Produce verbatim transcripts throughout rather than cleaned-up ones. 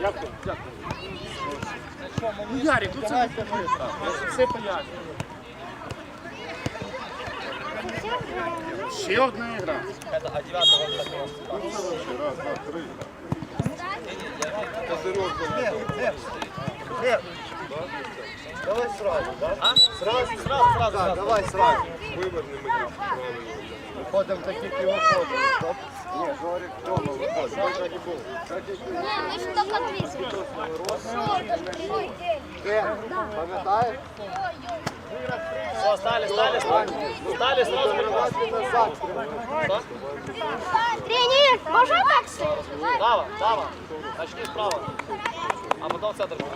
Дякую, дякую. Ну, Ярик, ну це все пояснює. Ще одна ігра. А девятого Раз, два, три. Давай сразу, да? А? Сразу, сразу, сразу. Да, давай сразу. Виверни мені. Виходимо таких і виходимо. Стоп. Ні, Жорик, Тьома, виходить. Ой, так і було. Так і було. Не, мы же только ответили. Де? Пам'ятаєш? Все, стали, стали, стали. Стали, сразу. Давайте назад. Тренер, можно так стоять? Право, право. Начни справа. А потом в центр.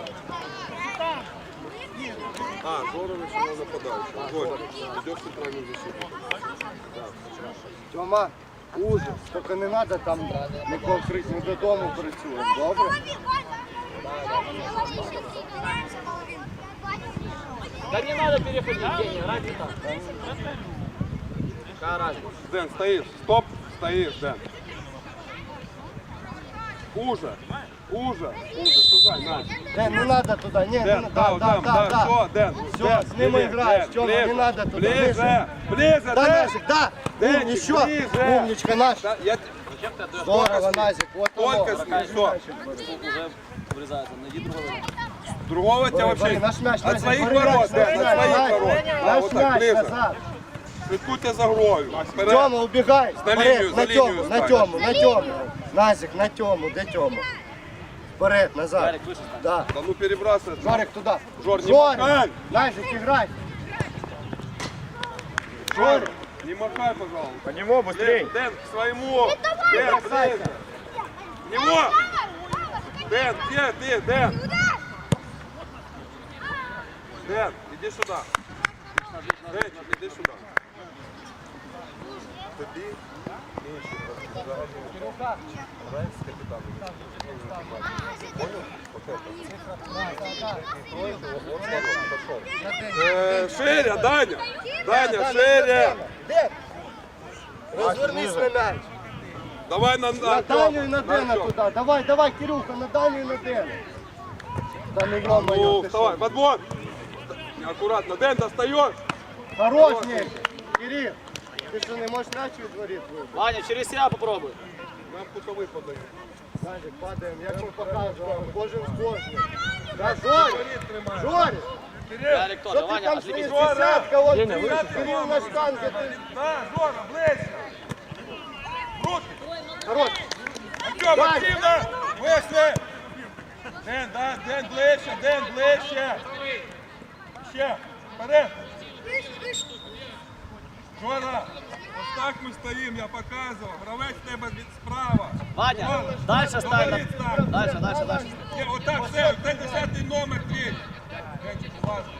А, Жорович на нападающего. Жорик, идешь в центральную защиту. Тьома, ужас. Тільки не треба там нікого крити. Ми додому працюємо, добре? Да не надо переходить, Евгений, ради так. Какая разница? Дэн, стоишь. Стоп. Стоишь, Дэн. Уже. Уже. Уже. Сужай, на. Ден, не треба туди. Ні, не Дэн, треба. да, Да, да, да, да. Все, да. Дэн. Все, Дэн, с ним ближе, играешь, Дэн, Тёма, ближе, не надо туда, Ближе, ближе. ближе, Да, Дэн. Назик, да. Денчик, Ну, еще. ближе. Умничка наш. Да, я... Здорово, Назик. Вот Только оно. с ним, все. Уже врезается. Найди другого. Другого тебя Бори, вообще... бори, наш мяч, От Назик, своих бори, ворот, наш Дэн, мяч, от своих Назик. ворот. Да, Наш вот так, мяч ближе. назад. Слідкуйте за грою. Вперед. Тёма, убегай. На Вперед, линию, на за линию Тёму, на стань. Тёму, на Тёму. Назик, на Тёму, де Тёма? Вперед, назад. Ярик, выше стань. Да. Да ну перебрасывай. Жорик туда. Жор, не махай. Жорик, Назик, играй. Жорик. Не махай, пожалуйста. По нему быстрей. Дэн, Дэн, к своему. Дэн, ближе. К него. Дэн, где ты, Дэн? Дэн, иди сюда. Дэн, иди сюда. Тобі менше загального грає з капітаном. Понял? Вот это. Э, Ширя, Даня! Даня, шире! Ден, розвернись на мяч. Давай на, На Даню и на Дэна туда. Давай, давай, Кирюха, на Даню и на Дэна. Да ну Ну, ё-моё, ты вставай, что? подбор! Аккуратно, Дэн, достаешь! Хорош, Ник. Кирилл, ты что, не можешь мяч відтворити? Ваня, через себя попробуй. Нам кутовий подают. Назик, падаємо, як ми показували, кожен з кожним. Да, Жорик, Жорик, Ярик тоже. що ти Ваня, там отвлекись. стоїш, десятка, вон Деня, Кирилл, выше. Кирилл на штанге, ти... На, Жора, ближче! Руки! Хорош, Артем, Даня. активно! Вийшли! Ден, да, Ден, ближче, Ден, ближче! Ще, вперед! Жора, ось так ми стоїмо, я показував. Гравець в тебе від справа. Ваня, Жора, дальше стань. говорить так. Дальше, дальше, дальше. Ні, отак, все, це десятий номер твій. Денчик, будь ласка.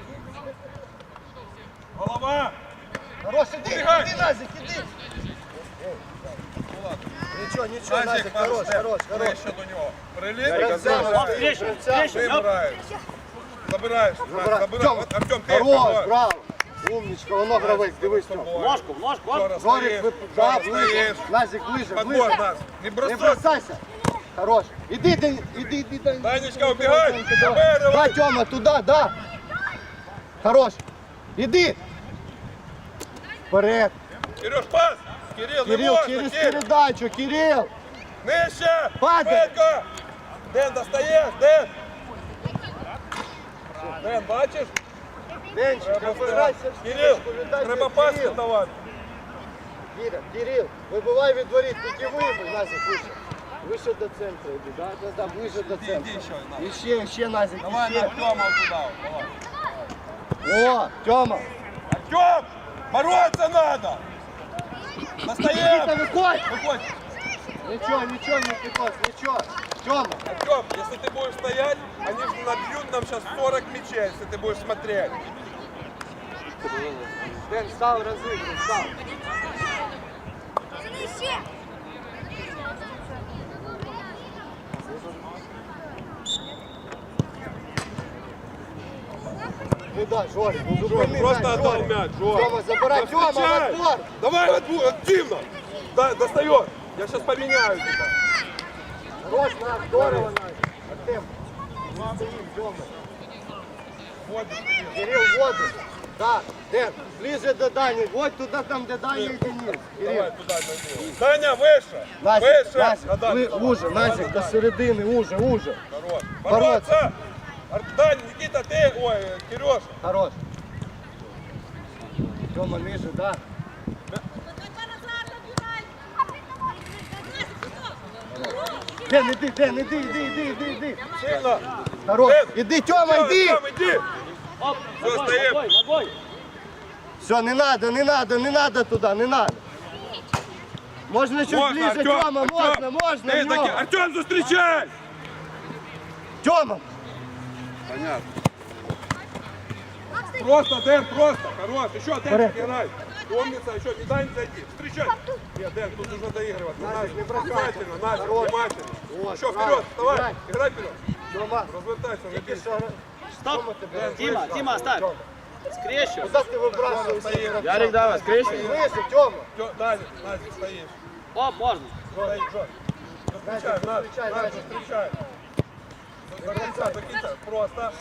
Голова! хорош, іди, Убігай. іди, Назик, іди. Нічого, нічого, Назик, хорош, хорош, хорош. Ближче до нього. Приліт, Гравцями, встречу, гравцями. вибираєш. Забираєш, Забирай. забираєш. Артем, От, Артем, ти Хорош, давай. браво. Умничка, воно гравець, дивись там. Ножку, в ножку. Жора, Оп. Жорик, стоїш, ви... да, Жора, ближе. стоїш. Назик, ближе, Подбор ближе. нас. Не Не бросай. бросайся. Хорош. Іди, іди, іди, іди. іди. Данечка, убігай. Да, Забери. Тёма, туда, да. Хорош. Іди. Вперед. Кирюш, пас. Кирил, не Кирилл, можна, через Кир. передачу, Кирилл. Нижче. Падай. Швидко. Ден, достаєш, Ден. Ден, бачиш? Денчик, Треба обирайся. встигати. Кирил, треба пас Кирилл. давати. Кирилл, Кирилл, вибивай від воріт, тільки вибив, Назик, вище. Вище до центру йди, да? Да, да, ближе до центру. Іди ще, на. І ще, ще, Назик, Давай і ще. на Артема туда. Давай. О, Тёма. Артем, бороться надо. Никита, Достаем. выходь. Выходь. Ничего, ничего, Никитос, ничего. Тёма. Артем, если ты будешь стоять, они же набьют нам сейчас сорок мячей, если ты будешь смотреть. Дэн, стал разыгрывать, стал. Ну да, Жорик, ну Жор, зупини просто мяч, отдал Жорик. мяч, Жор. Тёма, забирай, Тёма, в Встречай. отбор. Давай в отбор, активно. Да, достает. Я сейчас поменяю тебя. Хорош, Настя, здорово, Настя. Артем. Не стоїм, Тьома. Кирил, в воду. Так, Ден, ближе до Дані. Вот туди, там, де Даня і Денис. Кирил. Давай туди, Данил. Даня, вище! Назик, Вище! Назик, Гадати, ви- давай. уже, Назик, до середини, уже, уже. Хорош. Бороться. Бороться! Ар- Дань, Никита, ти, ой, Кирюша. Хорош. Тьома, ниже, да. Ден, іди, Ден, іди, іди, іди, іди, іди. Сильно. Хорош. Ден. Іди, Тьома, Тьома, іди. Тьома, іди. Оп, Всё, ногой, стоим. ногой, ногой. Все, не надо, не надо, не надо туди, не надо. Можна чуть Можна, ближе, Артем, Тьома, Артем. можна, можна. Ти в таки, нього. Артем, зустрічай! Тьома. Понятно. Просто, Дэн, просто. Хорош. Еще, Дэн, Порядок. играй. Умница, еще, не дай не зайти. Встречай. Нет, Дэн, тут нужно доигрывать. Назик, не бросай. Внимательно, Назик, Хорош. внимательно. Вот, Еще правильно. вперед, вставай. Играй. Играй вперед. Тьома. Развертайся, Тільки напиши. що. Стоп. Тьома тебе. Дима, Дима, оставь. Скрещу. Куди ти вибрасуєшся? Ярик, давай, скрещу. Вище, Тьома. Всё, Назик, Назик, стоишь. Оп, можно. Стоишь, Жор. Встречай, Назик, Назик, встречай, Назик, Назик. встречай. До конца, до конца. Просто.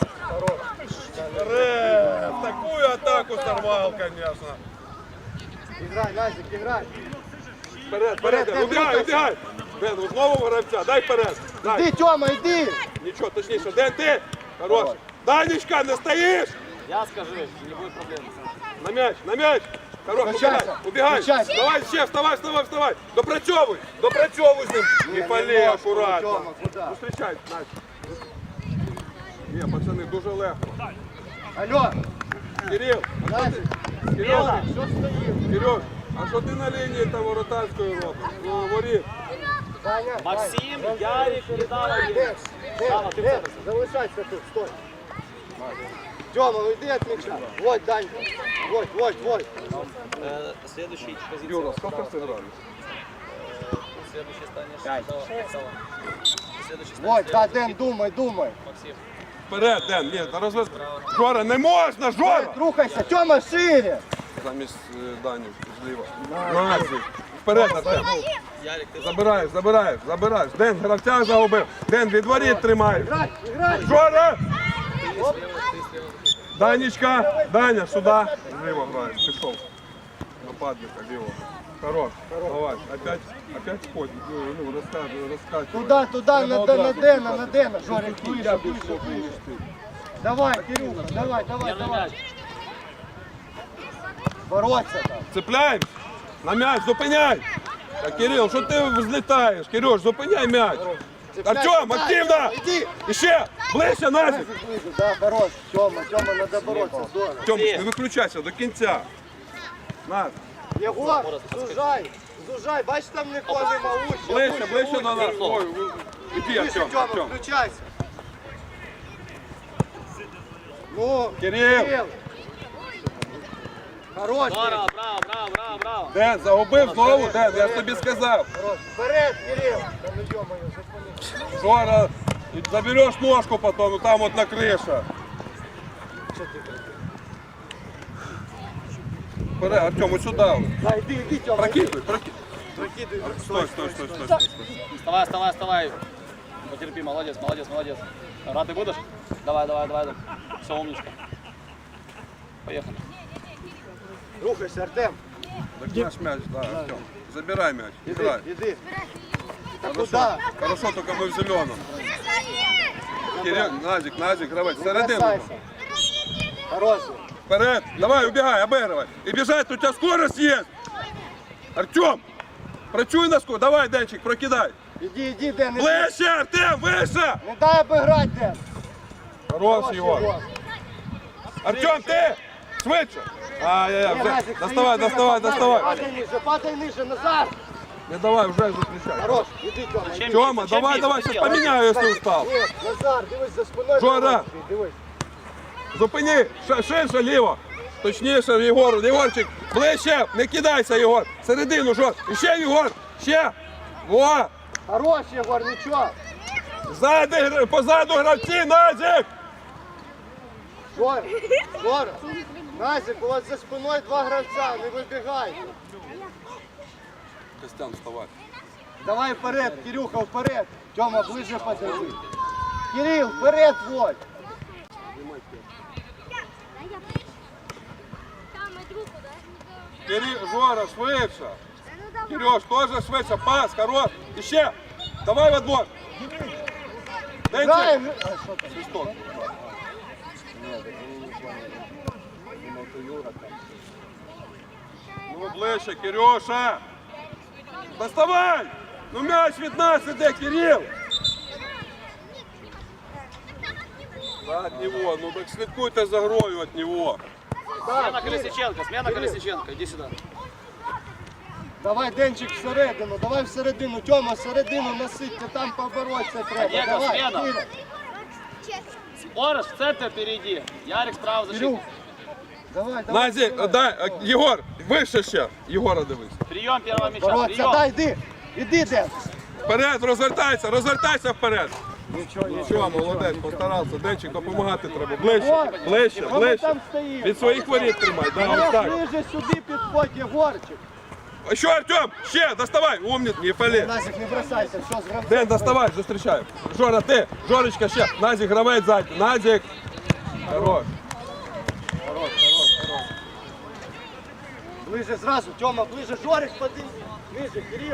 Рэп, такую атаку сорвал, конечно. Іграй, Назик, іграй. Вперед, вперед, Ден, убегай, рухайся. убегай. Ден, у знову гравця, дай вперед. Дай. Іди, Тьома, іди. Нічого, точніше, Ден, ти. Хороший. Данечка, не стоїш. Я скажу, не будет проблем. На м'яч, на м'яч. Хорош, убегай, Включайся, убегай. включайся. Давай, ще, вставай, вставай, вставай. Допрацьовуй, допрацьовуй з ним. Не пали, можна, акуратно. Тьома, куди? Зустрічай, Надь. Ні, пацани, дуже легко. Алло, Кирил, а що Назик, ти? Кирил, що стоїть? Кирюш, а що ти на лінії там воротарської робиш? Ну, воріт. Даня, Максим, Даня, Ярик, Дава, Ден, Ден, Дава, ты в Ден, центр. залишайся тут, стой. Тьома, ну йди від м'яча. Вот, Дань, вот, вот, вот. Э, Следующий позиция. Юра, скільки сыграли? Следующий станешь. Дава, Дава. Следующий Вот, станешь. да, Ден, думай, думай. Максим. Вперед, Ден, ні, на розвез. Жора, не можна, Жора! Рухайся, Тьома, шире. Замість е, Дані зліва. Назик. Вперед, Артем. Ярик, ты Забираєш, забираєш, забираєш. Ден, гравця загубив. Ден, від воріт тримай. Играй, играй. Жора! Данечка, Даня, сюди. Зліва граєш, пішов. Нападника, ліво. Хорош, давай. Опять, опять входь. Ну, розкачуй, розкачуй. Туда, туда, на, Треба на, на одразу Дена, шукати. на Дена. Жорик, Я выше, більше выше, выше. вмієш ти. Давай, Кирюха, давай, давай, Первый давай. мяч. Бороться там. Цепляємось. На м'яч, зупиняй. Так, Кирил, що ти взлітаєш? Кирюш, зупиняй м'яч. Артем, Дай, активно! Тьома, Иди. Іще, ближче, Назик. Назик ближе, да, хорош. Тёма, Тёма, надо бороться, здорово. Тьом, не виключайся до кінця. Назик. Єгор, зужай, зужай, бачиш, там нікого нема, уща, Ближче, уща, ближче уща. до нас. Ой, ви- іди, Ближче, Артем, Тёма, Артем. включайся. Ну, Кирил. Хорош, Браво, браво, браво, браво, браво. Ден, загубив знову, Ден, я ж тобі сказав. хорош. Вперед, Кирилл. Да ну ё-моё, зупини. Жора, і забереш ножку потім, ну там от на криша. Що ти кричиш? Вперед, Артем, ось сюди. Да, іди, іди, Тёма. Прокидуй, прокидуй. Прокидуй. Стой, стой, стой, стой, стой. Вставай, вставай, вставай. Потерпи, молодец, молодец, молодец. Рад ты будешь? Давай, давай, давай. Все, умничка. Поехали. Рухайся, Артем. Так наш м'яч, да, Артем. Забирай м'яч, Іди, играй. іди. Та Хорошо, куди? хорошо, только мы в зеленом. Кирилл, Назик, Назик, гравець, Не середину. бросайся. Хороший. Вперед, давай, убегай, обыгрывай. И бежать, у тебя скорость есть. Артем, працюй на скорость. Давай, Денчик, прокидай. Іди, іди, Ден, іди. Ближче, Артем, выше. Не дай обіграти, Ден. Хорош, Хорош, Егор. Єгор. Артем, ты, швидше. Ай-яй-яй, Ні, вже. Назик, Доставай, стоїть, доставай, Назик, доставай. Падай ниже, падай ниже, назад. Не давай, вже зустрічай. Хорош, іди, Тьома. іди. Тёма, Зачем давай, бить? давай, Зачем? сейчас поменяю, если устал. Ні, Назар, дивись за спиною. Жора. Жора. Дивись. Зупини, Ш- ширше ліво. Точніше, Єгор, Єгорчик, ближче, не кидайся, Єгор. Середину, жор. І ще, Єгор, ще. Во, Хорош, Єгор, нічого. ззади, гра- позаду гравці, Назик. Жора, Жора. Назик, у вас за спиною два гравця, не вибігай. Костян, вставай. Давай вперед, Кирюха, вперед. Тьома, ближе подойди. Кирил, вперед, Воль. Кирил, Жора, швидше. Кирюш, теж швидше, пас, хорош. Іще. Давай в отбор. Граем. Денчик. А, що там? Свисток. Ні, так він нічого не... Думав, то Юра там. Ну, ближче, Кирюша. Доставай. Ну, м'яч від нас іде, Кирил. Да, от него. Ну, так слідкуйте за грою от него. Смена Колесниченко, смена Колесниченко, иди сюда. Давай, Денчик, всередину, давай всередину. Тьома, всередину насидьте, там поборотися треба. Олега, Давай, смена. Киря. Ореш, в центр перейди. Ярик справа Кирюх, защитник. давай, давай. Назі, давай. дай, е, Єгор, вище ще. Єгора дивись. Прием первого мяча, Бороться, прием. дай, йди. Іди, Ден. Вперед, розвертайся, розвертайся вперед. Нічого, Нічого, молодець, постарався. Денчик, допомагати треба. Ближче, Єгор, ближче, а ми ближче. там стоїмо. Від своїх воріт тримай, дай ось Єгор, так. ближе сюди підходь, Єгорчик. А що, Артем? Ще, доставай, умниць, не палі. Назик, не бросайся, все, з гравцем. Ден, доставай, зустрічай. Жора, ти, Жорочка, ще. Назік, гравець ззаді. Назік. Хорош. Хорош, хорош, хорош. Ближе зразу, Тьома, ближе, Жорик, подивись. Ближе, Кирил.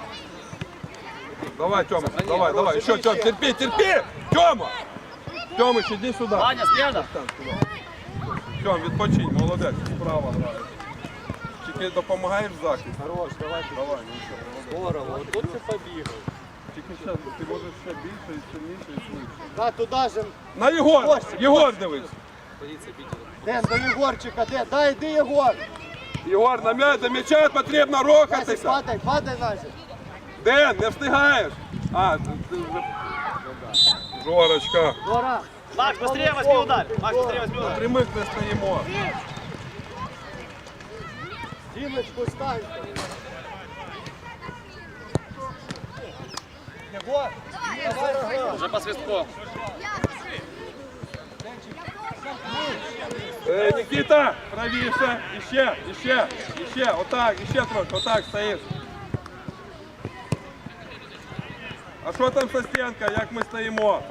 Давай, Тьома, давай, давай. Ще, Тьом, терпи, терпи. Тьома. Тьомич, іди сюди. Ваня, смена. Тьом, відпочинь, молодець, справа грає. Тільки допомагаєш в захисті. Хорош, давай, Давай, нічого. здорово, от тут ти побігав. Тільки ще, ти можеш ще більше, і сильніше, і швидше. Да, туди же. На Єгор! Костя, Єгор дивись! Ден, до Єгорчика, Ден, дай, йди, Єгор. Єгор, на м'яч, до м'яча потрібно Назик, рухатися! падай, падай, Назик. Ден, не встигаєш! А, ти, ти вже... Жорочка! Жора. Макс, быстрее возьми удар. Макс, быстрее возьми удар. Прямих не стоїмо! Дімочку стань. Єгор, давай, Роган. Уже по свистку. Е, Нікіта, правіше, іще, іще, іще, отак, іще трохи, отак стоїш. А що там со стінка, як ми стоїмо?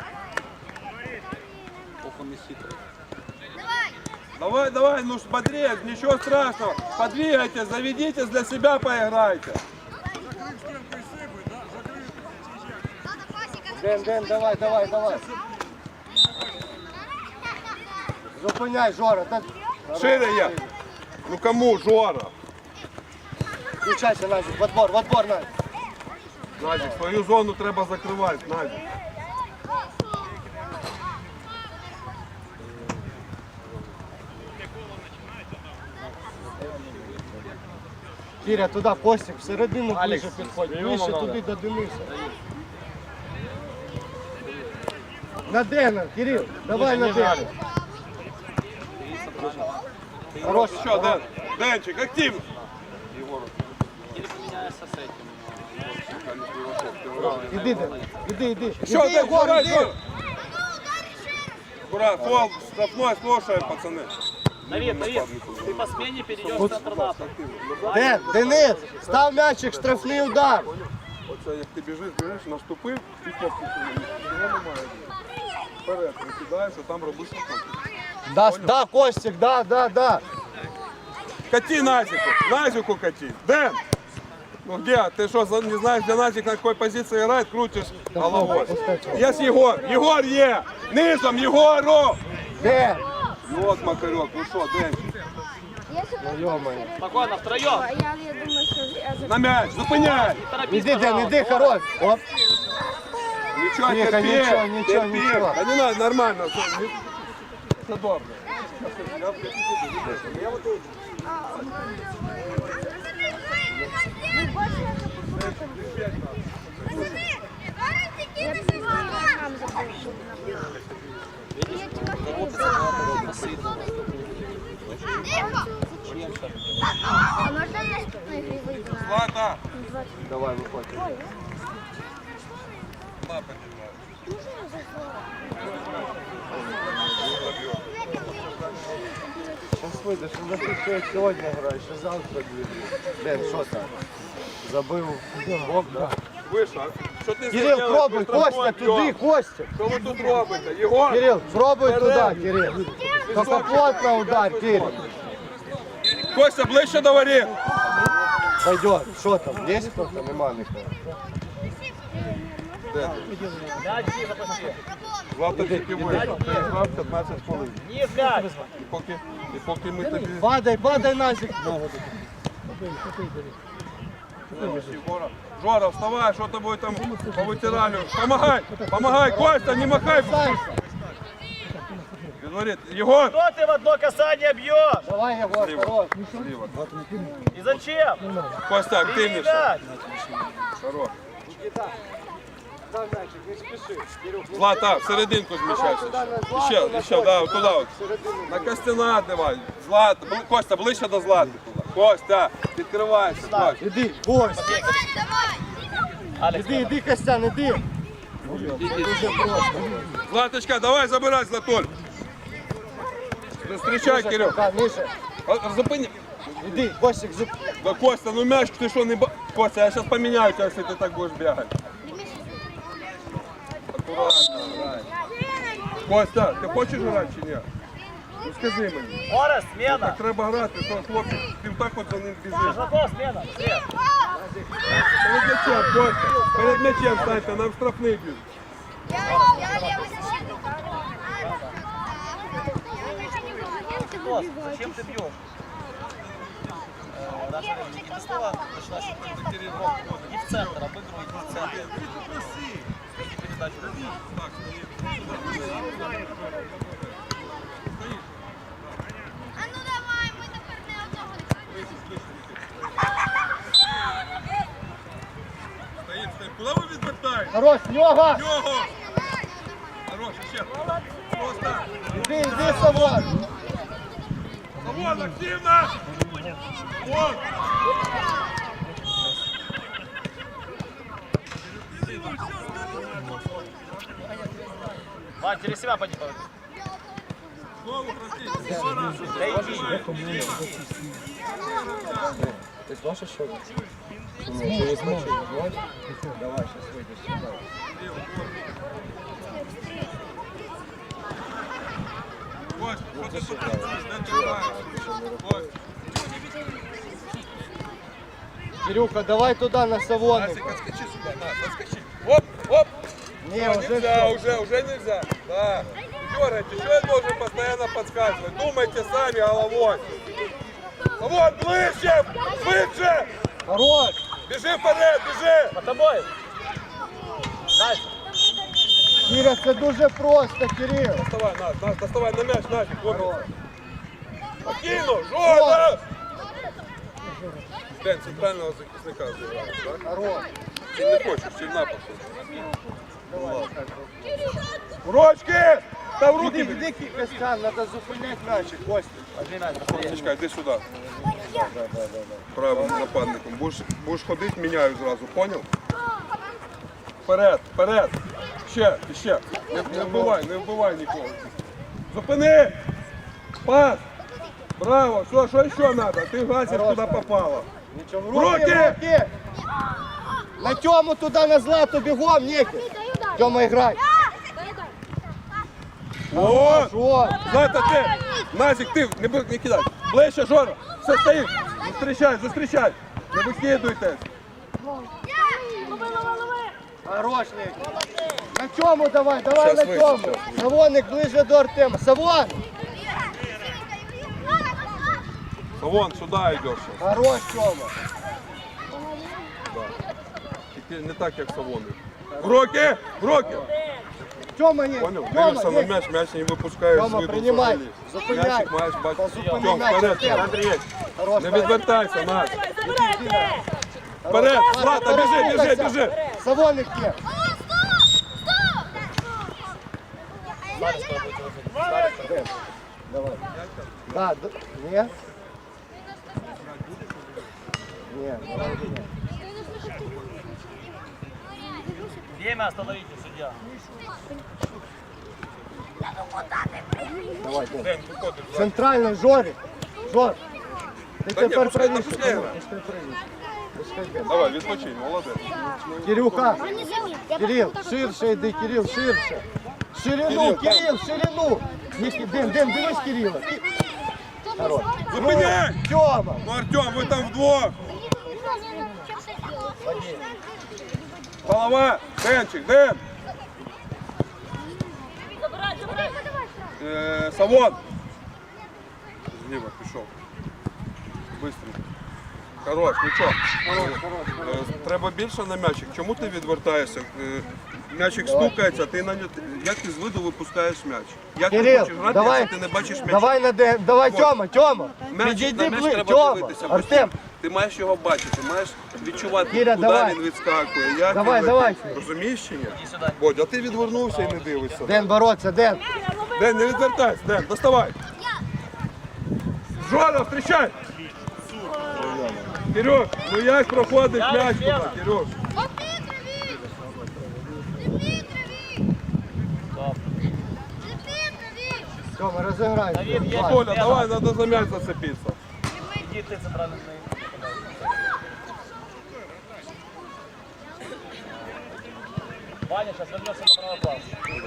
Давай, давай, ну ж бодрее, ничего страшного. Подвигайтесь, заведитесь, для себя поиграйте. Ден, Ден, давай, давай, давай. Зупиняй, Жора. Та... Шире я. Ну кому, Жора? Включайся, Назик, в отбор, в отбор, Назик. Назик, свою зону треба закривати, Назик. Киря, туди, Костик, всередину Алекс, ближе підходь. прийому Ближче надо. туди до Дениса. На Дена, Кирил, давай на Дена. Хорош, Що, Ден? Денчик, активно. Или поменяешься с этим. Іди, Ден, іди, іди. Що, Іди, Ден, Єгор, давай, іди. Жора. Ура, фол, штрафной, слушаем, пацаны. Давид, Давид, ты по смене перейдешь в центр НАТО. Ден, Денис, став м'ячик, штрафний удар. Оце як ти біжиш, біжиш, наступив і хлопці. Його немає. Вперед, викидаєш, а там робиш хлопці. Да, да, Костик, да, да, да. Кати Назику, Назику кати. Дэн! Ну где? Ты что, за- не знаешь, где Назик на какой позиции играет, крутишь головой. Есть Егор, Егор е! Низом, Егору! Ден. Вот Макарек, ну что, Дэн? Ё-моё. Спокойно, втроем. Я, я думаю, що я за- На мяч, зупиняй! Не торопись, Іди, Ден, пожалуйста. іди, хорош. Оп. Ничего, Тихо, терпи, ничего, ничего, терпи. ничего. Да не надо, нормально. Все, не- все добре. нам запрошую. Я А можна наступної гри вийти на Злата! Давай, виходь. Лапа держать. Сейчас вийдеш, ну ти що сьогодні граєш, що завтра буде. Ден, що там? Забив гол, да? Вище. Що ти Кирил, зробив? пробуй, Ти штрафной Костя, туди, б'єш. Костя. Що ви тут робите? Єгор! Кирил, пробуй Вперед. туди, Кирил. Только плотно удар, Кирил. Костя, ближче до воріт. Пойдет. Что там? Есть кто-то? Нема никого. Злата тільки вийшов. Ти грав п'ятнадцять хвилин. Ні, блядь. І поки, і поки ми тобі... Падай, падай, Назик. Жора, Жора, вставай, що тобою там повитирали. Помагай, помагай, Костя, не махай. Говорит, Егор. Что ты в одно касание бьешь? Давай, Егор, хорош. Слива. И зачем? Костя, активніше. Блядь. Хорош. Дай мячик, не спеши. Кирюх, не Злата, в серединку зміщайся. туда на Злату, Ще, на ще, да, туди. от. середину. На Костяна давай. Злата, бли- Костя, ближче до Злати. туди. Костя, відкривайся. Костя. Иди, Кость. Алекс, Иди, иди, Костян, иди. Дуже просто. Златочка, давай забирай, Златуль. Зустрічай, Кирюх. Да, Миша, А, Зупини. иди, Костик, зуб. Да, Костя, ну мяч, ты что, не... ба- Костя, я сейчас поменяю тебя, если ты так будешь бегать. Аккуратно, играй. Костя, ти хочеш грати чи ні? Ну скажи мені. Орес, смена. Так треба грати, що хлопчик, ти так от за ним біжиш. Шажаков, смена. Все. Перед м'ячем, Костя, перед м'ячем станьте, нам штрафний б'ють. Я левый защитник. Кост, зачем ты бьешь? Э, Наша не снова начала и в центр, обыгрывать в центр. Передачу. А ну давай, ми тепер не одного. Стоїть, стоїть. Куди ви відвертаєте? Хорош, Лёга. Його! Хорош, ще. Просто. Иди, иди, Савон. Вон, активно! Вон! Вань, через себя пойди. Знову простите, два рази. Да иди. Ты сможешь еще? Через матч. Давай, сейчас выйдешь сюда. Кость, що ти тут працюєш? Не тримаєш. Кость, Кирюха, давай туда на Савоник. Насик, отскочи сюда, на, отскочи. Оп, оп! Не, уже Нельзя, всё. уже, уже нельзя. Да. Дергайте, что я должен постоянно подсказывать? Думайте сами головой. Вот, ближче, швидше! Хорош. Бежи вперед, бежи! Под тобой. Дальше. Киря, це дуже просто, Кирил. Доставай, на, на, доставай на мяч, нафиг, вот. Покину, Жора! Дэн, центрального захисника забираешь, да? Хорош. Ты не хочешь, сильна Урочки! Та в руки! Іди, іди, Костян, треба зупиняти м'ячик, Костя. Костечка, йди сюди. Правим нападником. Будеш, будеш ходити, міняю зразу, поняв? Вперед, вперед! Ще, ще. Не, не вбивай, не вбивай нікого. Зупини! Пас! Браво! Що, що ще треба? Ти гасиш, куди попало. Нічого, в В руки, руки! в руки! На Тьому туди, на Злату, бігом, Нікіт! Тьома, грай! О! Що? Злата, ти! Назик, ти! Не, бу- не кидай! Ближче, Жора! Все, стоїть! Зустрічай, зустрічай! Не викидуйте! Хорош, Нікіт! На Тьому давай, давай Щас на вийде, Тьому! щас вийде. Савоник ближе до Артема. Савон! Вон, сюди йдеш. Хорош, Тьома! Тільки не так, як Савони. В руки! В руки! Тьома, Нікіт! Понял? Тьома, Дивишся на Нікіт! м'яч, м'яч не випускаєш з Тьома, виду приймай. взагалі. Зупиняй. М'ячик маєш Та бачити. зупини Тьом, м'яч, вперед, Артем. Андрій. Хорош, Не Настя. відвертайся, Настя. Вперед, Вперед, Злата, біжи, біжи, біжи. Савоник є! Давай. Да, д... Ні? Ні, давай, ні. Время остановите, судья. Давай, Ден. Центральний, Жорик. Жор. Ти Та ні, тепер пускай- правіше. пускай грає. Пускай правіше. Пускай Ден. Давай, відпочинь, молодець. Кирюха, Не заміт. Я Кирил, так- ширше йди, Кирил, ширше. Ширину, Кирил, Кирил, ширину. Ні, Ден, Ден, дивись Кирила. Хорош. Зупиняй! Тьома. Ну, Артем, ви там вдвох. Голова, Денчик, Ден. Е, Савон. Зліва пішов. Быстренько. Хорош, нічого. Е, Треба більше на м'ячик. Чому ти відвертаєшся? Е, М'ячик стукається, ти на нього. Як ти з виду випускаєш м'яч? Як ти Кирил, хочеш грати, давай. якщо ти не бачиш м'яча? Давай на Ден, давай Вот. Тьома, Тьома. М'яч, Підійди на м'яч ближче, треба Тьома. дивитися. Артем, Ти маєш його бачити, маєш відчувати, Кіря, куди давай. він відскакує, як Давай, він давай. летить. Розумієш чи ні? Бодь, а ти відвернувся і не дивишся. Ден бороться, Ден. Ден, не відвертайся, Ден, доставай. Жора, встречай! Кирюш, ну як проходить м'яч туди, Кирюш? Тьома, розіграй. Давид, є. Коля, давай, надо за м'яч зацепитися. Иди ты центральный. Ваня сейчас вернется на правый план.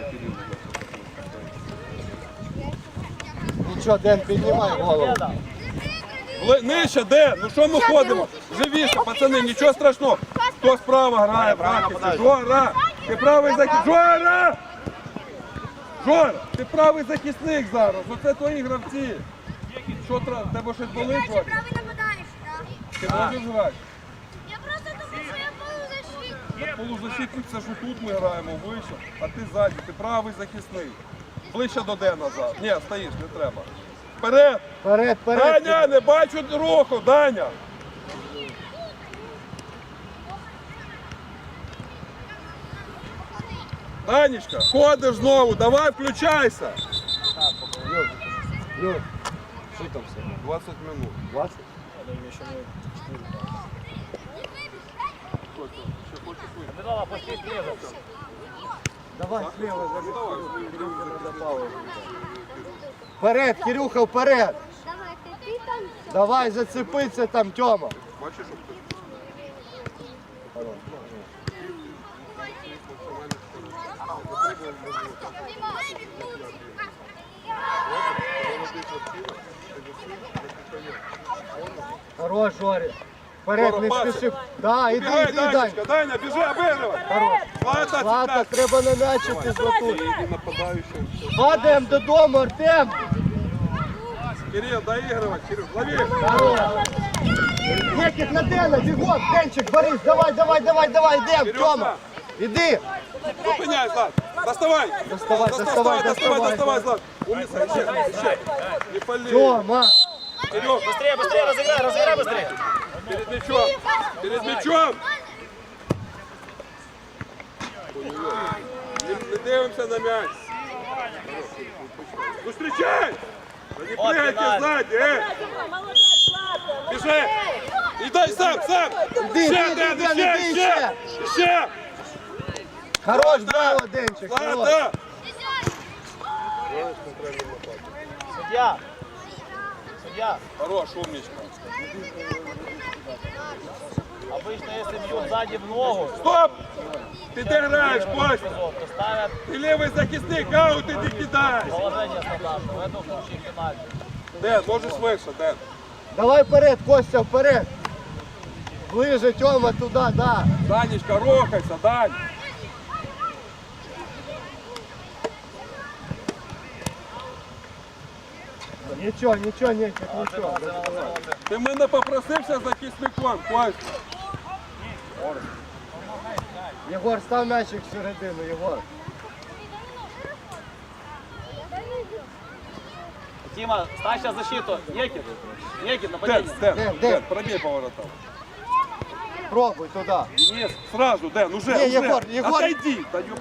Нічого, Ден, піднімай голову. Деда. Вли- Нижче, Ден, ну що ми ходимо? Живіше, пацани, нічого страшного. Хто справа грає, в захисті? Жора, ти правий захисник. Жора! Жора, ти правий захисник зараз, оце твої гравці. Що треба, тебе щось болить, Жора? Правий нападаєш, так? Ти можеш грати? Я просто думаю, що я полузащитник. Полузащитник це ж тут ми граємо вище, а ти ззаді, ти правий захисник. Ближче до Дена назад. Ні, стоїш, не треба. Вперед! Вперед, вперед. Даня, не бачу руху, Даня! Данечка, ходиш знову, давай включайся. Люд, що там все? двадцять минут. двадцять? Здорово, пусти слева. Давай слева, вперед, Кирюха, вперед. Давай, ти, ти там. Давай, зацепиться там, Тьома. Бачиш, що хтось? Хорош, Жорі. Вперед, не Жора, спіши. Да, іди, Бігай, іди, Дань. Данечка, Даня, біжи, обігривай. Хорош. Злата, Злата, цепляй. треба на м'ячики златуть. Іди нападаючим. Падаємо додому, Артем. Кирил, доігривай, Кирил, лови. Хорош. Некіт на Дена, бігом, Денчик, Борис, давай, давай, давай, давай, йдем, Кирюша. Тьома. Іди. Зупиняй, Злат. Доставай. Доставай, Доставай, доставай, доставай, доставай. доставай, Злат. Умница, еще, еще. Не пали. Тьома. Кирилл, Быстрее, быстрее, разыграй, разыграй быстрее. перед мячом. Перед мячом. Не, не дивимося на м'яч. Ну, встречай! Да не Вот прыгайте пенальти. сзади, э! Бежи! И дай сам, сам! Іди, Ще, іди, Ден, Ден, ще, іди, ще! Ще! Хорош, браво, Денчик, хорош. Злата! Судья. Судья. Хорош, умничка. Обычно, если бьют сзади в ногу, Стоп! Ти де граєш, Костя? то ставят Ти лівий захисник, аут іди кидай! положение стандартное. В этом случае пенальти. Ден, можеш вище, Ден. Давай вперед, Костя, вперед. Ближе, Тьома, туди, да. Данечка, рухайся, Дань. Нічого, нічого, Нікіт, нічого. Ти мене попросився захисником, Костя. Єгор, став м'ячик всередину, Єгор. Тима, ставь сейчас защиту. Екин. Екин, Ден, нападение. Ден, Ден, Ден, Ден. пробей поворотом. Пробуй туди. Нет, сразу, Ден, уже, Не, уже. Егор, Егор. Отойди. Да, ёп.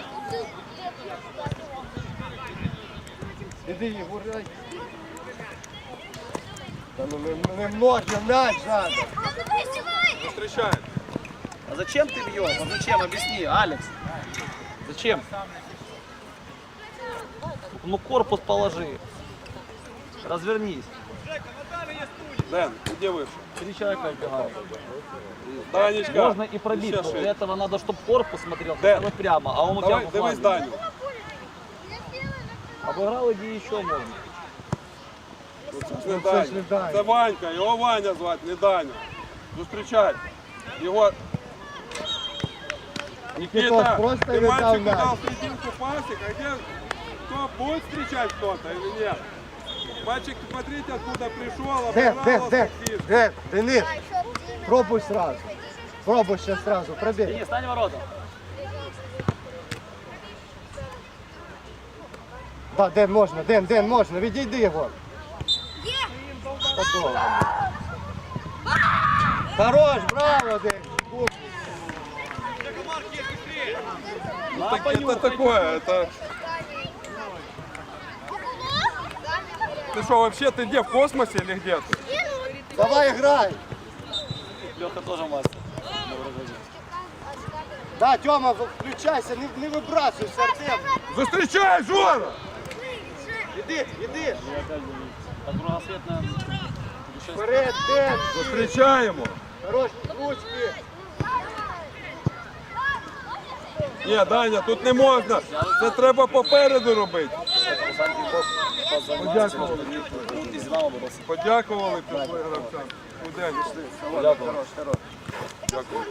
Іди, Єгор. ай. Та ну не, не множно м'яч надо. Встречай. А зачем ты бьешь? А зачем? Объясни, Алекс. Зачем? Ну корпус положи. Развернись. Дэн, иди выше. Три человека убегают. Данечка. Можно и пробить, еще но для шесть. этого надо, чтобы корпус смотрел Да. хотя бы прямо, а он у тебя Давай, в дивись фланге. Даню. Обыграл, иди еще можно. Це ж не Даня. Це Ванька, його Ваня звати, не Даня. Зустрічай. Його... Никита, просто ты не мальчику дал мяч. дал серединку пасик, а где кто будет встречать кто-то или нет? Мальчик, смотрите, откуда пришел, Дэн, Дэн, обыграл Дэн, таксист. Дэн, Денис, пробуй сразу. Пробуй сейчас сразу, пробей. Денис, стань в ворота. Да, Дэн, можно, Дэн, Дэн, можно, відійди його. Готово. Хорош, браво, Дэн. Ну, так, это такое, это... Ты что, вообще, ты где, в космосе или где ты? Давай играй. Леха тоже мастер. Да, Тёма, включайся, не, не выбрасывайся, Артем. Зустрічай, Жора! Иди, иди. Так кругосветная. Вперед, Дэн. Зустрічаємо. Хорош, ручки. Ні, Даня, тут не можна. Це треба попереду робити. Подякували. Из Динамо боролся. Подякували пішли гравцям. Куди? Подякували. Дякую.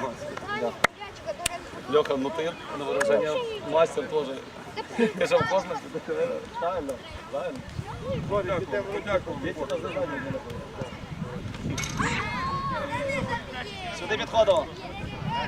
Леха, ну ты на выражение мастер тоже. Ты же в космосе. Правильно, правильно. Подякували. Подякували. Дети это задание не находят. Сюда Медходова.